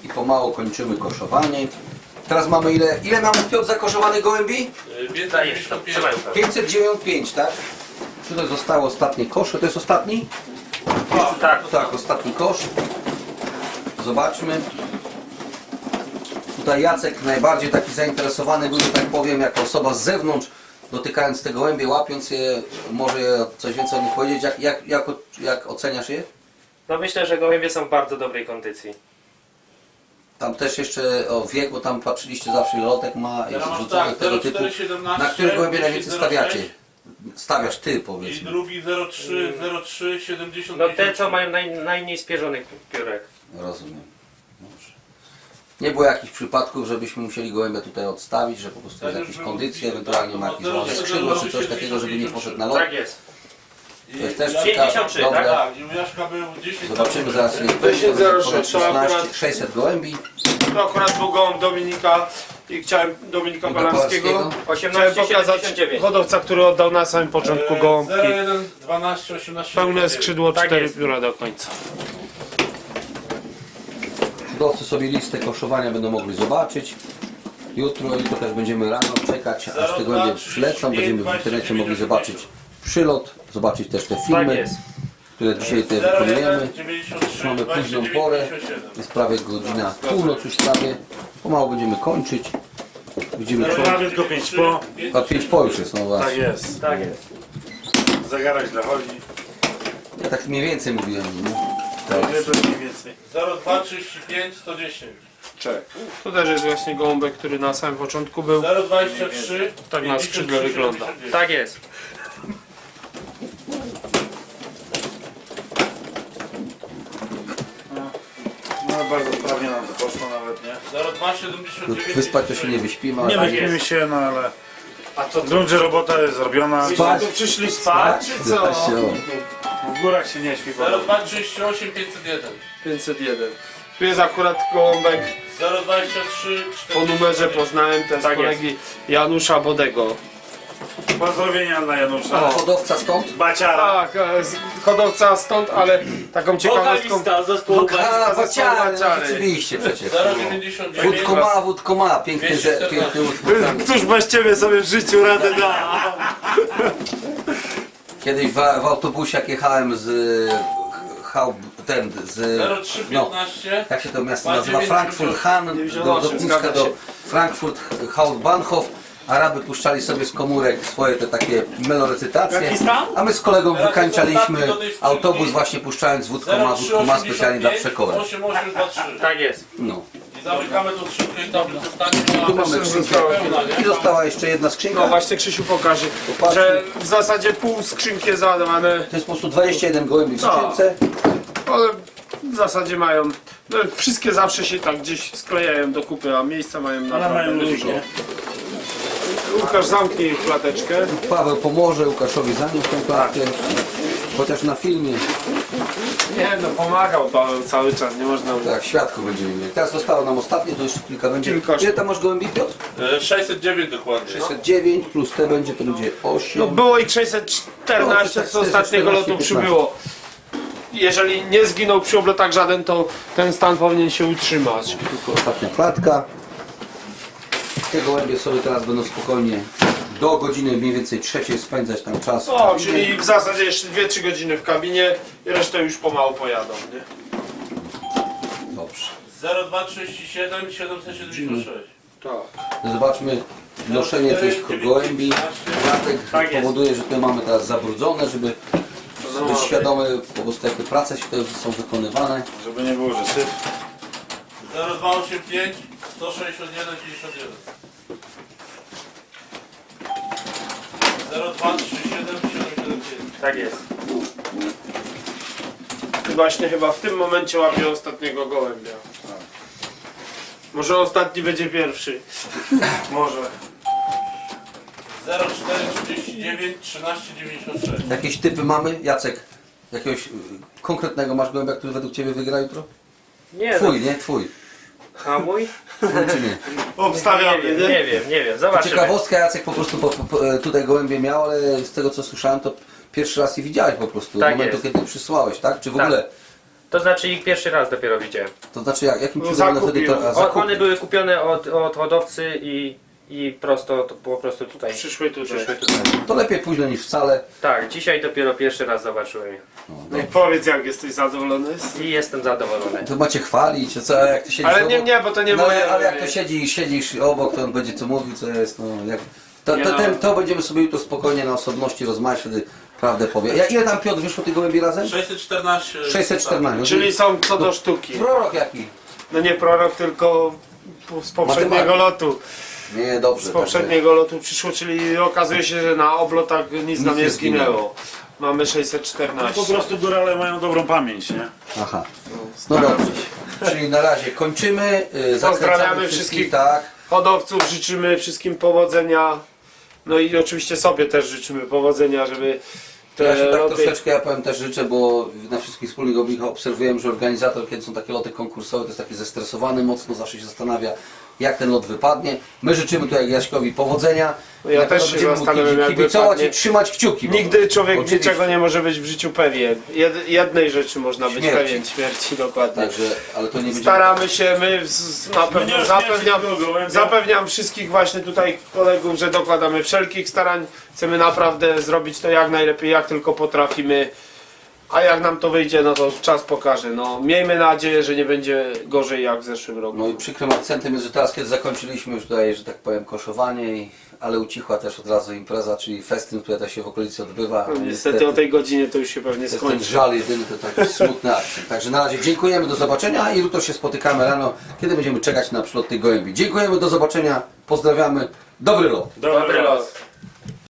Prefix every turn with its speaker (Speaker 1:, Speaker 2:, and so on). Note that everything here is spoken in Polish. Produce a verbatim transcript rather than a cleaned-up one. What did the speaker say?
Speaker 1: i pomału kończymy koszowanie. Teraz mamy ile, ile mamy Piotr zakoszowanych gołębi? pięćset dziewięćdziesiąt pięć, tak? Tutaj zostało ostatnie kosze, to jest ostatni?
Speaker 2: O, tak.
Speaker 1: Tak, ostatni kosz. Zobaczmy. Tutaj Jacek najbardziej taki zainteresowany był, że tak powiem, jako osoba z zewnątrz, dotykając te gołębie, łapiąc je, może coś więcej o nich powiedzieć. Jak, jak, jak, jak oceniasz je?
Speaker 2: No myślę, że gołębie są w bardzo dobrej kondycji.
Speaker 1: Tam też jeszcze o wiek, bo tam patrzyliście zawsze ile lotek ma,
Speaker 3: Teraz
Speaker 1: jest
Speaker 3: masz
Speaker 1: rzucone
Speaker 3: tak,
Speaker 1: tego typu. Na które gołębie najwięcej stawiacie? Stawiasz ty,
Speaker 3: I
Speaker 1: powiedzmy.
Speaker 3: drugi zero trzy, zero trzy, siedemdziesiąt.
Speaker 2: No te, co mają naj, najmniej spierzonych piórek.
Speaker 1: Rozumiem. Dobrze. Nie było jakichś przypadków, żebyśmy musieli gołębia tutaj odstawić, że po prostu jest jakieś kondycje, ewentualnie ma jakieś wolne skrzydło czy coś takiego, żeby nie poszedł na lot.
Speaker 2: Tak jest.
Speaker 1: To jest też
Speaker 2: pięćdziesiąt trzy,
Speaker 1: ciekawe.
Speaker 2: tak?
Speaker 1: Dobre.
Speaker 3: Tak, i u Jaszka był dziesięć.
Speaker 1: Zobaczymy zaraz ile to
Speaker 4: dziesięć
Speaker 1: jest.
Speaker 4: zero
Speaker 1: Ponad
Speaker 4: sześć, to akurat-
Speaker 1: szesnaście, sześćset gołębi.
Speaker 4: To akurat był gołąb Dominika i chciałem Dominika
Speaker 1: Palarskiego.
Speaker 4: Palarskiego. Chciałem
Speaker 2: osiemnaście
Speaker 4: pokazać
Speaker 2: siedemdziesiąt dziewięć.
Speaker 4: hodowca, który oddał na samym początku gołąbki.
Speaker 3: zero jeden, dwanaście, osiemnaście.
Speaker 4: Pełne skrzydło,
Speaker 2: Tak
Speaker 4: cztery
Speaker 2: jest.
Speaker 4: pióra do końca.
Speaker 1: Hodowcy sobie listę koszowania będą mogli zobaczyć. Jutro, jutro też będziemy rano czekać, aż te gołębie przylecą. Będziemy w internecie mogli zobaczyć przylot, zobaczyć też te
Speaker 2: Tak
Speaker 1: filmy,
Speaker 2: jest.
Speaker 1: które dzisiaj tutaj
Speaker 3: zero
Speaker 1: wykonujemy.
Speaker 3: jeden, dziewięćdziesiąt trzy,
Speaker 1: Mamy
Speaker 3: dwadzieścia
Speaker 1: późną
Speaker 3: dziewięć,
Speaker 1: porę,
Speaker 3: pięćdziesiąt siedem.
Speaker 1: jest prawie godzina północ już prawie. Pomału będziemy kończyć. Widzimy
Speaker 3: Zero
Speaker 1: człowiek.
Speaker 3: jeden,
Speaker 5: tylko pięć po.
Speaker 1: A pięć po już jest, no
Speaker 5: Tak
Speaker 1: właśnie.
Speaker 5: jest.
Speaker 2: Tak jest.
Speaker 5: Zegarek dla chodzi.
Speaker 1: Ja tak mniej więcej mówiłem. Nie?
Speaker 5: Tak. Nie, to mniej więcej.
Speaker 3: zero dwa, trzydzieści pięć, sto dziesięć.
Speaker 4: Czek. Tu też jest właśnie gołąbek, który na samym początku był.
Speaker 3: zero dwadzieścia trzy,
Speaker 4: Tak na skrzydle wygląda.
Speaker 2: Tak jest.
Speaker 5: No bardzo sprawnie nam to poszło nawet, nie?
Speaker 3: zero dwa, siedemdziesiąt dziewięć.
Speaker 1: Wyspać to się nie wyśpimy,
Speaker 5: Nie
Speaker 1: ale
Speaker 5: wyśpimy się, no ale...
Speaker 4: A to
Speaker 5: Grunt, że robota jest zrobiona.
Speaker 1: Spać.
Speaker 4: tu przyszli spać, czy co?
Speaker 5: W górach się nie śpi.
Speaker 3: zero dwa, trzydzieści osiem, pięćset jeden.
Speaker 4: pięćset jeden. Tu jest akurat gołąbek
Speaker 3: zero dwadzieścia trzy,
Speaker 4: po numerze poznałem, to jest
Speaker 2: Tak
Speaker 4: kolegi Janusza Bodego.
Speaker 5: Pozdrowienia dla Janusza.
Speaker 1: A hodowca stąd?
Speaker 5: Baciara.
Speaker 4: Tak, e, z- hodowca stąd, ale taką ciekawostką.
Speaker 2: zespołu
Speaker 1: A, Baciary, no
Speaker 4: Baciary.
Speaker 1: rzeczywiście przecież.
Speaker 3: zero dziewięćdziesiąt dziewięć.
Speaker 1: Wódko ma, wódko ma. Piękny,
Speaker 3: dwieście
Speaker 1: ze- piękny utwór.
Speaker 5: Któż bez ciebie sobie w życiu radę da?
Speaker 1: Kiedyś w, w autobusie jak jechałem z Hau, ten, z
Speaker 3: zero trzy,
Speaker 1: no,
Speaker 3: piętnaście.
Speaker 1: jak się to miasto nazywa? Frankfurt Han, do lotniska do Frankfurt Hauptbahnhof. Araby puszczali sobie z komórek swoje te takie melorecytacje, a my z kolegą wykańczaliśmy autobus właśnie puszczając wódko ma, wódko ma specjalnie dla przekory.
Speaker 3: osiem osiem dwa trzy.
Speaker 2: Tak jest.
Speaker 1: No.
Speaker 3: I zamykamy tą skrzynkę i tam zostanie.
Speaker 1: Tu mamy skrzynkę i została jeszcze jedna
Speaker 4: No
Speaker 1: skrzynka.
Speaker 4: właśnie Krzysiu pokaże, że w zasadzie pół skrzynki jest załadowane,
Speaker 1: To jest po prostu dwadzieścia jeden gołębi w skrzynce.
Speaker 4: ale w zasadzie mają, no, wszystkie zawsze się tak gdzieś sklejają do kupy, a miejsca mają
Speaker 5: Ale
Speaker 4: naprawdę
Speaker 5: mają
Speaker 4: dużo.
Speaker 5: ludzi, nie?
Speaker 4: Łukasz zamknij klateczkę.
Speaker 1: Paweł pomoże Łukaszowi zanieść tę klatkę. Chociaż na filmie,
Speaker 4: Nie no, pomagał Paweł cały czas, nie można mu...
Speaker 1: tak, świadków będziemy mieli. Teraz zostało nam ostatnie, to jeszcze kilka będzie.
Speaker 4: Kilka
Speaker 1: Ile
Speaker 4: sztuk.
Speaker 1: tam masz gołębi, Piotr?
Speaker 3: E, sześćset dziewięć dokładnie.
Speaker 1: sześćset dziewięć plus te będzie, to będzie osiem.
Speaker 4: No było ich sześćset czternaście,
Speaker 1: No, to
Speaker 4: z
Speaker 1: tak,
Speaker 4: ostatniego lotu
Speaker 1: piętnaście.
Speaker 4: przybyło. Jeżeli nie zginął przy oblotach żaden, to ten stan powinien się utrzymać.
Speaker 1: Tylko ostatnia klatka. Te gołębie sobie teraz będą spokojnie do godziny mniej więcej trzeciej spędzać tam czas. w
Speaker 4: O,
Speaker 1: kabinie.
Speaker 4: czyli w zasadzie jeszcze dwie trzy godziny w kabinie i resztę już pomału pojadą, nie?
Speaker 1: Dobrze.
Speaker 3: zero dwa trzydzieści siedem, siedemset siedemdziesiąt sześć.
Speaker 4: Tak.
Speaker 1: No zobaczmy noszenie tych gołębi. Klatek
Speaker 2: Tak jest.
Speaker 1: powoduje, że te mamy teraz zabrudzone, żeby być świadomy po prostu jakie prace się tutaj są wykonywane.
Speaker 5: Żeby nie było, że syf.
Speaker 3: zero dwa osiem pięć, sto sześćdziesiąt jeden, dziewięćdziesiąt jeden. zero dwa trzy siedem, siedem siedem pięć.
Speaker 2: Tak jest.
Speaker 4: I właśnie chyba w tym momencie łapię ostatniego gołębia. Może ostatni będzie pierwszy.
Speaker 5: Może.
Speaker 3: zero cztery trzydzieści dziewięć, trzynaście dziewięćdziesiąt sześć.
Speaker 1: Jakieś typy mamy? Jacek, jakiegoś y, konkretnego masz gołębia, który według Ciebie wygra jutro?
Speaker 2: Nie no.
Speaker 1: Twój, nie? Twój.
Speaker 2: A mój?
Speaker 1: Twój czy nie?
Speaker 2: Nie
Speaker 5: Obstawiamy,
Speaker 2: wiem,
Speaker 5: nie?
Speaker 2: nie wiem, nie wiem. Zobaczymy.
Speaker 1: Ciekawostka, Jacek po prostu po, po, tutaj gołębie miał, ale z tego co słyszałem, to pierwszy raz je widziałeś po prostu.
Speaker 2: Tak
Speaker 1: od momentu,
Speaker 2: jest.
Speaker 1: kiedy przysłałeś, tak? Czy w
Speaker 2: Tak.
Speaker 1: ogóle
Speaker 2: To znaczy ich pierwszy raz dopiero widziałem.
Speaker 1: To znaczy jak? Jakim
Speaker 4: No,
Speaker 1: cudem one wtedy to...
Speaker 4: zakupił.
Speaker 1: a,
Speaker 2: O,
Speaker 1: zakup...
Speaker 2: one były kupione od, od hodowcy i, i prosto, to po prostu tutaj.
Speaker 4: Przyszły tutaj.
Speaker 2: Przyszły tutaj.
Speaker 1: To lepiej późno niż wcale.
Speaker 2: Tak, dzisiaj dopiero pierwszy raz zobaczyłem je.
Speaker 4: No i powiedz, jak jesteś zadowolony?
Speaker 2: I jestem zadowolony.
Speaker 1: To macie chwalić, a co, a jak ty siedzisz
Speaker 4: Ale nie,
Speaker 1: obok...
Speaker 4: nie, bo to nie
Speaker 1: no,
Speaker 4: moje.
Speaker 1: ale, ale jak to siedzi, siedzisz obok, to on będzie co mówił, co jest, no jak... To,
Speaker 4: Nie
Speaker 1: to,
Speaker 4: no.
Speaker 1: ten, to będziemy sobie jutro spokojnie na osobności rozmawiać, wtedy prawdę powie. Ja, ile tam Piotr wyszło tych gołębi razem?
Speaker 3: sześćset czternaście.
Speaker 1: sześćset czternaście.
Speaker 4: Czyli są co do sztuki.
Speaker 1: Prorok jaki?
Speaker 4: No nie prorok, tylko z poprzedniego
Speaker 1: Matematyk.
Speaker 4: lotu.
Speaker 1: Nie, dobrze.
Speaker 4: Z poprzedniego lotu przyszło, czyli okazuje się, że na oblotach nic nam
Speaker 1: nie
Speaker 4: nie
Speaker 1: zginęło.
Speaker 4: zginęło. Mamy sześćset
Speaker 5: Po
Speaker 4: czternaście.
Speaker 5: prostu górale mają dobrą pamięć, nie?
Speaker 1: Aha. No dobrze. Czyli na razie kończymy. Yy, zakręcamy
Speaker 4: Pozdrawiamy wszystkich.
Speaker 1: Tak.
Speaker 4: Hodowców życzymy wszystkim powodzenia. No i oczywiście sobie też życzymy powodzenia, żeby te
Speaker 1: Ja się tak
Speaker 4: loty...
Speaker 1: troszeczkę, ja powiem też życzę, bo na wszystkich wspólnych obliczach obserwujemy, że organizator, kiedy są takie loty konkursowe, to jest taki zestresowany mocno, zawsze się zastanawia, jak ten lot wypadnie. My życzymy tutaj Jaśkowi powodzenia.
Speaker 4: No ja
Speaker 1: Na pewno
Speaker 4: też się
Speaker 1: będziemy mu
Speaker 4: zastanawiam, jak
Speaker 1: kibicować
Speaker 4: wypadnie.
Speaker 1: i trzymać kciuki.
Speaker 4: Nigdy człowiek
Speaker 1: Oczywiście.
Speaker 4: niczego nie może być w życiu pewien. Jed, jednej rzeczy można być
Speaker 1: Śmierci.
Speaker 4: pewien, śmierci dokładnie.
Speaker 1: Także, ale to nie będzie...
Speaker 4: Staramy się, my z, na pewno
Speaker 5: nie
Speaker 4: zapewniam,
Speaker 5: śmierci nikogo,
Speaker 4: zapewniam wszystkich właśnie tutaj kolegów, że dokładamy wszelkich starań. Chcemy naprawdę zrobić to jak najlepiej, jak tylko potrafimy. A jak nam to wyjdzie, no to czas pokaże. No, miejmy nadzieję, że nie będzie gorzej jak w zeszłym roku.
Speaker 1: No i przykrym akcentem jest, że teraz kiedy zakończyliśmy już tutaj, że tak powiem, koszowanie, i, ale ucichła też od razu impreza, czyli festyn, który też się w okolicy odbywa.
Speaker 4: No, niestety o tej godzinie to już się pewnie
Speaker 1: To jest ten
Speaker 4: skończy.
Speaker 1: żal jedyny, to taki smutny akcent. Także na razie dziękujemy, do zobaczenia i jutro się spotykamy rano, kiedy będziemy czekać na przylot tej gołębi. Dziękujemy, do zobaczenia, pozdrawiamy, dobry lot.
Speaker 2: Dobry los.